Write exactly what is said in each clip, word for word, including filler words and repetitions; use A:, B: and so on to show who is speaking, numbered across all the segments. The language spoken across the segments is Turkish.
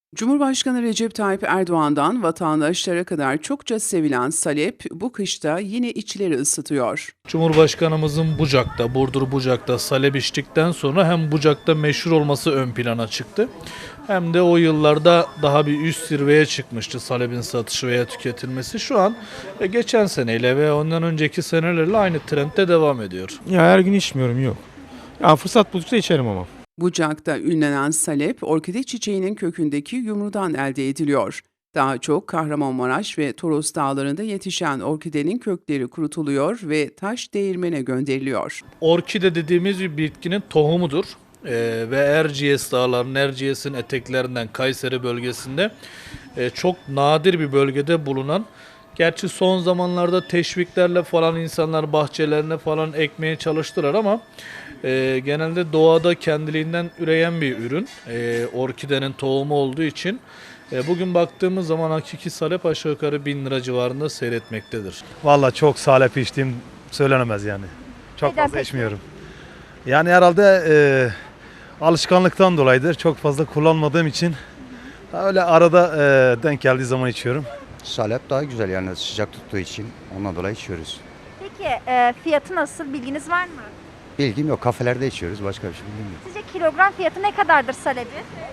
A: Cumhurbaşkanı Recep Tayyip Erdoğan'dan vatandaşlara kadar çokça sevilen salep bu kışta yine içleri ısıtıyor.
B: Cumhurbaşkanımızın Bucak'ta, Burdur Bucak'ta salep içtikten sonra hem Bucak'ta meşhur olması ön plana çıktı. Hem de o yıllarda daha bir üst zirveye çıkmıştı salepin satışı veya tüketilmesi. Şu an e, geçen seneyle ve ondan önceki senelerle aynı trendde devam ediyor.
C: Ya her gün içmiyorum, yok. Ya fırsat buldukça içerim ama.
A: Bucak'ta ünlenen salep, orkide çiçeğinin kökündeki yumrudan elde ediliyor. Daha çok Kahramanmaraş ve Toros dağlarında yetişen orkidenin kökleri kurutuluyor ve taş değirmene gönderiliyor.
B: Orkide dediğimiz bir bitkinin tohumudur. Ee, ve Erciyes dağlarının, Erciyes'in eteklerinden Kayseri bölgesinde e, çok nadir bir bölgede bulunan, gerçi son zamanlarda teşviklerle falan insanlar bahçelerine falan ekmeye çalıştılar ama e, genelde doğada kendiliğinden üreyen bir ürün. E, orkidenin tohumu olduğu için e, bugün baktığımız zaman hakiki salep aşağı yukarı bin lira civarında seyretmektedir.
D: Vallahi çok salep içtiğim söylenemez yani. Çok
E: Neden
D: fazla
E: peki?
D: içmiyorum. Yani herhalde e, alışkanlıktan dolayıdır. Çok fazla kullanmadığım için öyle arada e, denk geldiği zaman içiyorum.
F: Salep daha güzel yani sıcak tuttuğu için ondan dolayı içiyoruz.
E: Peki e, fiyatı nasıl, bilginiz var mı?
F: Bilgim yok, kafelerde içiyoruz, başka bir şey bilgim yok.
E: Sizce kilogram fiyatı ne kadardır salebi?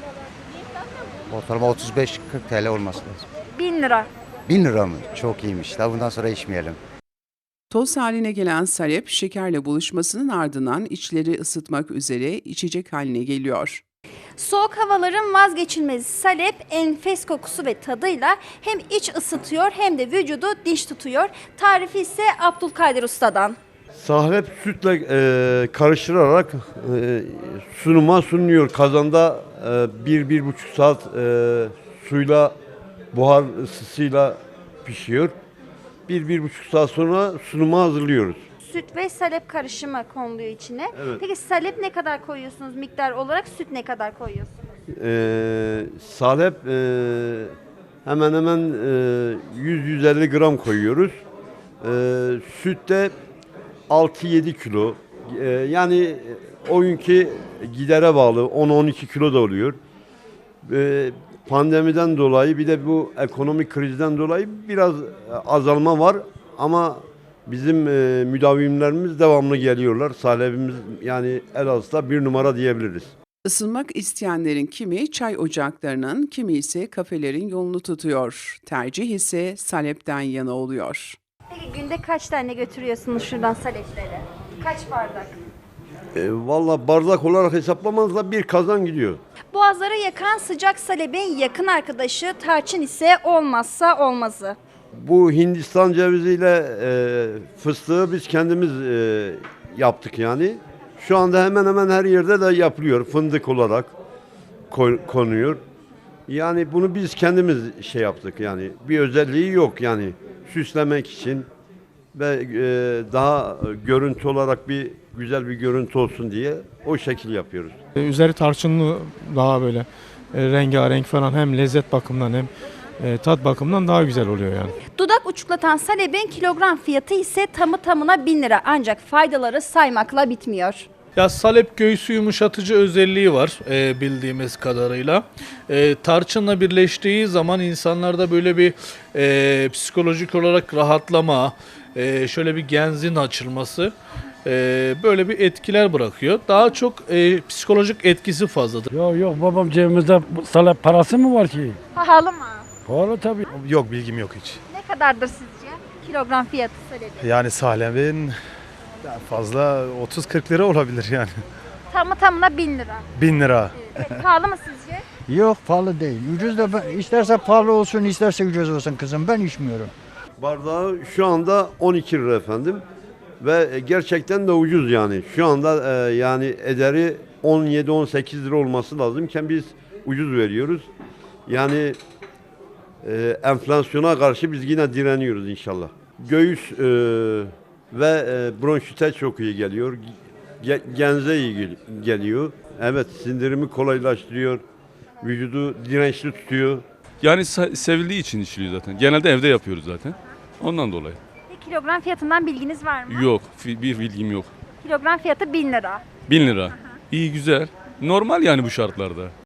F: Ortalama otuz beş kırk T L olması lazım.
E: bin lira.
F: bin lira mı? Çok iyiymiş. Daha bundan sonra içmeyelim.
A: Toz haline gelen salep, şekerle buluşmasının ardından içleri ısıtmak üzere içecek haline geliyor.
E: Soğuk havaların vazgeçilmezi salep enfes kokusu ve tadıyla hem iç ısıtıyor hem de vücudu dinç tutuyor. Tarifi ise Abdülkadir Usta'dan.
G: Salep sütle e, karıştırılarak e, sunuma sunuluyor. Kazanda e, bir, bir buçuk saat e, suyla, buhar ısısıyla pişiyor. Bir, bir buçuk saat sonra sunuma hazırlıyoruz.
E: Süt ve salep karışımı konuluyor içine.
G: Evet.
E: Peki salep ne kadar koyuyorsunuz miktar olarak, süt ne kadar koyuyorsunuz?
G: E, salep e, hemen hemen e, yüz yüz elli gram koyuyoruz. E, süt de altı yedi kilo. E, yani o günkü gidere bağlı on on iki kilo da oluyor. E, pandemiden dolayı bir de bu ekonomik krizden dolayı biraz azalma var ama bizim e, müdavimlerimiz devamlı geliyorlar. Salepimiz yani Elazığ'da bir numara diyebiliriz.
A: Isınmak isteyenlerin kimi çay ocaklarının, kimi ise kafelerin yolunu tutuyor. Tercih ise salepten yana oluyor.
E: Peki günde kaç tane götürüyorsunuz şuradan salepleri? Kaç bardak?
G: E, Valla bardak olarak hesaplamanızda bir kazan gidiyor.
E: Boğazları yakan sıcak salebin yakın arkadaşı tarçın ise olmazsa olmazı.
G: Bu Hindistan ceviziyle e, fıstığı biz kendimiz e, yaptık yani. Şu anda hemen hemen her yerde de yapılıyor. Fındık olarak koy- konuyor. Yani bunu biz kendimiz şey yaptık yani. Bir özelliği yok yani. Süslemek için ve e, daha görüntü olarak bir güzel bir görüntü olsun diye o şekil yapıyoruz.
C: E, Üzeri tarçınlı, daha böyle e, rengarenk falan, hem lezzet bakımından hem e, tat bakımından daha güzel oluyor yani.
E: Dudak uçuklatan salebin kilogram fiyatı ise tamı tamına bin lira, ancak faydaları saymakla bitmiyor.
B: Ya salep göğsü yumuşatıcı özelliği var e, bildiğimiz kadarıyla. E, tarçınla birleştiği zaman insanlarda böyle bir e, psikolojik olarak rahatlama, e, şöyle bir genzin açılması, e, böyle bir etkiler bırakıyor. Daha çok e, psikolojik etkisi fazladır.
H: Yok yok babam cebimizde salep parası mı var ki?
E: Pahalı mı?
H: Pahalı tabii.
D: Yok, bilgim yok hiç.
E: Ne kadardır sizce kilogram fiyatı salebi?
D: Yani salepin fazla otuz kırk lira olabilir yani.
E: Tamı tamına bin lira.
D: bin lira.
E: Evet, pahalı mı sizce?
I: Yok, pahalı değil. Ucuz da ben- isterse pahalı olsun, isterse ucuz olsun kızım. Ben içmiyorum.
G: Bardağı şu anda on iki lira efendim ve gerçekten de ucuz yani. Şu anda e, yani ederi on yedi on sekiz lira olması lazımken biz ucuz veriyoruz. Yani e, enflasyona karşı biz yine direniyoruz inşallah. Göğüs e, ve e, bronşite çok iyi geliyor. Ge- genze iyi gel- geliyor. Evet, sindirimi kolaylaştırıyor. Vücudu dirençli tutuyor.
J: Yani se- sevildiği için içiliyor zaten. Genelde evde yapıyoruz zaten. Ondan dolayı.
E: Bir kilogram fiyatından bilginiz var mı?
J: Yok, fi- bir bilgim yok.
E: Kilogram fiyatı bin lira.
J: Bin lira. İyi, güzel. Normal yani bu şartlarda.